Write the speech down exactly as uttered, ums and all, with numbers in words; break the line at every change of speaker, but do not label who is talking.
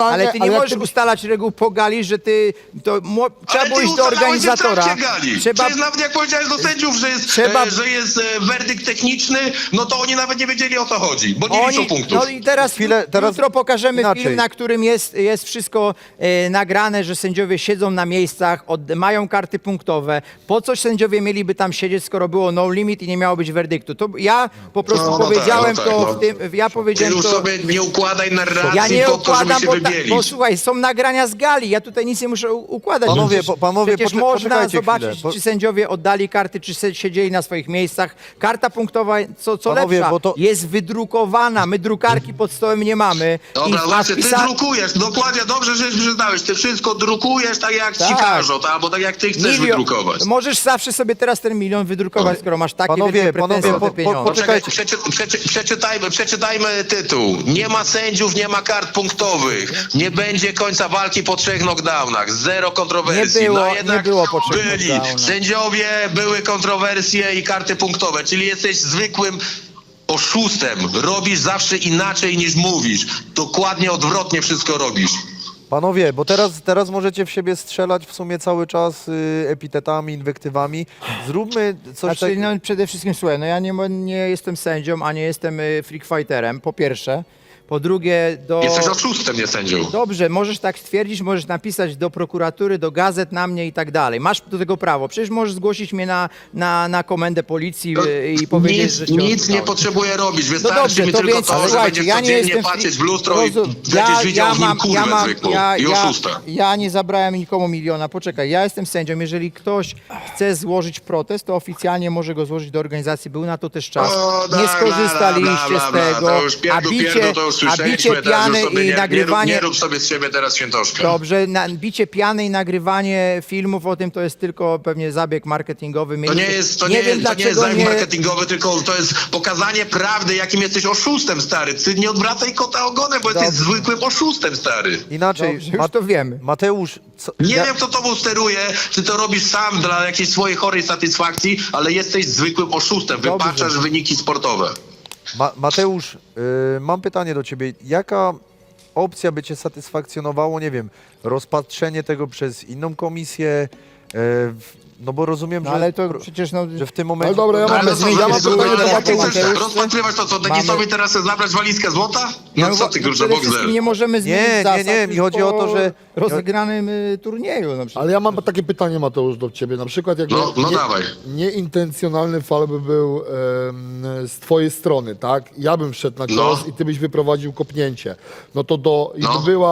generalnie...
Ale ty nie
jak
możesz ustalać reguł po gali, że ty... To, mo, trzeba
Ale
było
ty
iść do
ustalałeś
organizatora.
w trakcie gali.
Trzeba...
Przecież nawet jak powiedziałeś do sędziów, że jest,
Trzeba-
e, że jest e, werdykt techniczny, no to oni nawet nie wiedzieli, o co chodzi, bo nie liczą punktów.
No i teraz,
Chwilę, teraz
jutro pokażemy
inaczej.
film, na którym jest, jest wszystko e, nagrane, że sędziowie siedzą na miejscach, od, mają karty punktowe. Po co sędziowie mieliby tam siedzieć, skoro było no limit i nie miało być werdyktu? To ja po prostu
No, no
powiedziałem
tak, no
to
tak,
w tym, ja
Ty
powiedziałem
już
to...
sobie nie układaj narracji
Ja nie
po to, żeby
układam,
się
bo, ta,
wybielić.
bo słuchaj, są nagrania z gali, ja tutaj nic nie muszę u- układać.
Panowie,
Przecież,
po- panowie,
przecież
poczek-
można
poczekajcie
zobaczyć,
chwilę, bo-
czy sędziowie oddali karty, czy se- siedzieli na swoich miejscach. Karta punktowa, co, co
Panowie,
lepsza,
bo to-
jest wydrukowana, my drukarki pod stołem nie mamy.
Dobra,
I
właśnie, ty
wpisa-
drukujesz, dokładnie, dobrze, że przyznałeś, ty wszystko drukujesz tak jak ci
Tak.
każą, tak? Albo tak jak ty chcesz
Milion-
wydrukować.
Możesz zawsze sobie teraz ten milion wydrukować, skoro masz takie
Panowie,
wielkie pretensje
panowie,
o te
po- po-
pieniądze.
Poczekaj,
Poczekajcie.
przeczy, przeczy, przeczytajmy, przeczytajmy tytuł. Nie ma sędziów, nie ma kart punktowych. Nie będzie końca walki po trzech knockdownach. Zero kontrowersji.
Nie było-
no
nie
jednak
było po trzech
byli.
knockdownach.
Sędziowie, były kontrowersje i karty punktowe. Czyli jesteś zwykłym oszustem. Robisz zawsze inaczej niż mówisz. Dokładnie odwrotnie wszystko robisz.
Panowie, bo teraz, teraz możecie w siebie strzelać w sumie cały czas y, epitetami, inwektywami. Zróbmy coś
Znaczy,
takiego.
no, przede wszystkim, słuchaj, no ja nie, mo- nie jestem sędzią, a nie jestem y, freak fighterem, po pierwsze. Po drugie, do...
Jesteś oszustem, nie sędzią.
Dobrze, możesz tak stwierdzić, możesz napisać do prokuratury, do gazet na mnie i tak dalej. Masz do tego prawo. Przecież możesz zgłosić mnie na, na, na komendę policji y, i powiedzieć,
nic,
że cię
nic nie
oszukałem.
potrzebuję robić.
No
Wystarczy
dobrze,
mi
to
tylko
więc
to, że
słuchajcie,
będziesz
ja nie
codziennie
jestem...
patrzeć w lustro i
Rozum-
będziesz widział w nim kurwę
mam,
zwykłą
ja,
i
ja,
oszusta.
ja nie zabrałem nikomu miliona. Poczekaj, ja jestem sędzią. Jeżeli ktoś chce złożyć protest, to oficjalnie może go złożyć do organizacji. Był na to też czas.
O,
Nie
da,
skorzystaliście
bla, bla,
z
bla,
tego.
To już
a
pierdół,
bicie,
pierdół, to już
a
słyszeliśmy,
bicie
teraz
piany
już sobie
i
nie,
nagrywanie...
nie, rób, nie rób sobie z siebie teraz świętoszka.
Dobrze, na, bicie piany i nagrywanie filmów o tym to jest tylko pewnie zabieg marketingowy.
To
Mieliście-
nie jest, to nie,
nie wiem
jest, to nie jest
dlaczego
zabieg
nie...
marketingowy, tylko to jest pokazanie prawdy, jakim jesteś oszustem, stary. Ty nie odwracaj kota ogonem, bo jesteś
Dobrze.
zwykłym oszustem, stary.
Inaczej,
Dobrze, już to wiemy.
Mateusz, co,
Nie
ja-
wiem, kto tobą steruje, czy to robisz sam dla jakiejś swojej chorej satysfakcji, ale jesteś zwykłym oszustem.
Dobrze.
Wypaczasz wyniki sportowe.
Ma, Mateusz, y, mam pytanie do ciebie. Jaka opcja by cię satysfakcjonowało, nie wiem, rozpatrzenie tego przez inną komisję? y, w- no bo rozumiem,
No
że,
ale to przecież no...
że w tym momencie...
Ale dobra, ja
No,
mam,
ale no co,
ja mam
co,
pytanie
co,
do
co, ty
Mateusza.
chcesz rozpatrywać to, co Denisowi teraz chcesz zabrać walizkę złota? No co ty,
no,
kurczę,
przede wszystkim
Boxer?
nie możemy zmienić
Nie, nie,
zasad
nie, mi
już
chodzi o
po
to, że-
rozegranym y, turnieju. No, przecież-
Ale ja mam takie pytanie, Mateusz, do ciebie. Na przykład jakby
No, no
nie,
dawaj.
nieintencjonalny fal by był em, z twojej strony, tak? Ja bym wszedł na cios
No.
i ty byś wyprowadził kopnięcie. No to do... i
No.
by była